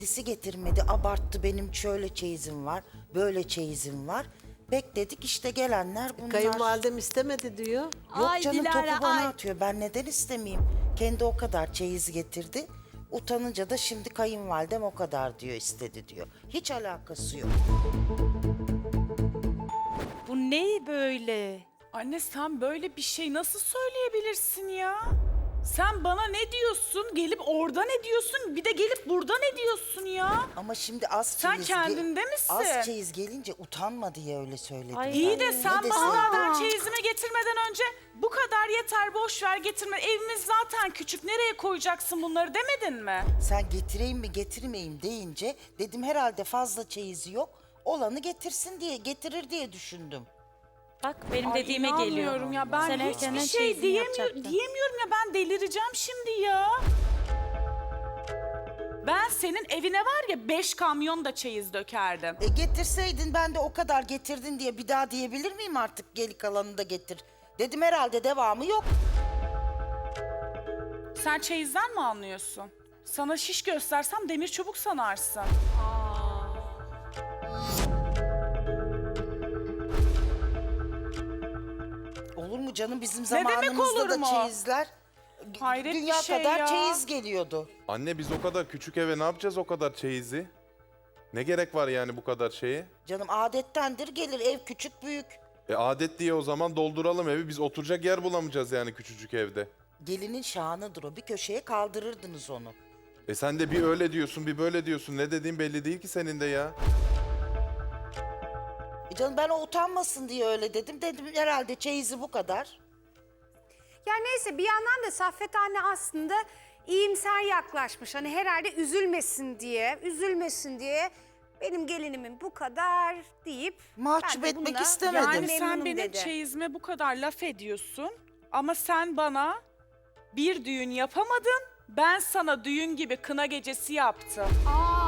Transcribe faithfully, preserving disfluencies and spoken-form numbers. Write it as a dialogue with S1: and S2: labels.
S1: Kendisi getirmedi, abarttı, benim şöyle çeyizim var, böyle çeyizim var. Bekledik işte gelenler bunlar.
S2: Kayınvalidem istemedi diyor.
S1: Yok
S3: Ay
S1: canım,
S3: Dilara,
S1: topu bana
S3: ay.
S1: atıyor. Ben neden istemeyeyim? Kendi o kadar çeyiz getirdi. Utanınca da şimdi kayınvalidem o kadar diyor, istedi diyor. Hiç alakası yok.
S3: Bu ne böyle?
S4: Anne sen böyle bir şey nasıl söyleyebilirsin ya? Sen bana ne diyorsun? Gelip orada ne diyorsun? Bir de gelip burada ne diyorsun ya?
S1: Ama şimdi az
S4: Sen
S1: çeyiz...
S4: kendinde misin?
S1: Az çeyiz gelince utanma diye öyle söyledim.
S3: Ay,
S1: ben.
S4: İyi de
S1: Ne
S4: sen
S1: deseydim?
S4: bana ben çeyizimi getirmeden önce bu kadar yeter boş ver getirme. Evimiz zaten küçük, nereye koyacaksın bunları demedin mi?
S1: Sen getireyim mi getirmeyeyim deyince dedim herhalde fazla çeyizi yok. Olanı getirsin diye, getirir diye düşündüm.
S3: Bak benim
S4: Ay,
S3: dediğime geliyor.
S4: inanmıyorum ya, ben
S3: Sen
S4: hiçbir
S3: erkenden
S4: şey
S3: çeyizini
S4: diyemiyor,
S3: yapacaktın.
S4: diyemiyorum ya, ben delireceğim şimdi ya. Ben senin evine var ya beş kamyon da çeyiz dökerdim.
S1: E getirseydin, ben de o kadar getirdin diye bir daha diyebilir miyim artık, geri kalanını da getir. Dedim herhalde devamı yok.
S4: Sen çeyizden mi anlıyorsun? Sana şiş göstersem demir çubuk sanarsın.
S1: Olur mu canım, bizim
S4: Ne demek
S1: zamanımızda
S4: olur
S1: da
S4: mu?
S1: çeyizler
S4: Hayret
S1: dünya
S4: bir şey
S1: kadar
S4: ya.
S1: çeyiz geliyordu.
S5: Anne biz o kadar küçük eve ne yapacağız o kadar çeyizi? Ne gerek var yani bu kadar şeye?
S1: Canım adettendir, gelir, ev küçük büyük.
S5: E adet diye o zaman dolduralım evi. Biz oturacak yer bulamayacağız yani küçücük evde.
S1: Gelinin şanıdır o, bir köşeye kaldırırdınız onu.
S5: E sen de bir öyle diyorsun bir böyle diyorsun. Ne dediğin belli değil ki senin de ya.
S1: E canım ben o utanmasın diye öyle dedim. Dedim herhalde çeyizi bu kadar.
S6: Yani neyse, bir yandan da Saffet anne aslında iyimser yaklaşmış. Hani herhalde üzülmesin diye, üzülmesin diye benim gelinimin bu kadar deyip...
S1: Mahcup
S6: ben de
S1: etmek
S6: bununla
S1: istemedim.
S4: Yani sen
S6: memnunum
S4: benim
S6: dedi.
S4: çeyizime bu kadar laf ediyorsun ama sen bana bir düğün yapamadın, ben sana düğün gibi kına gecesi yaptım.
S6: Aa,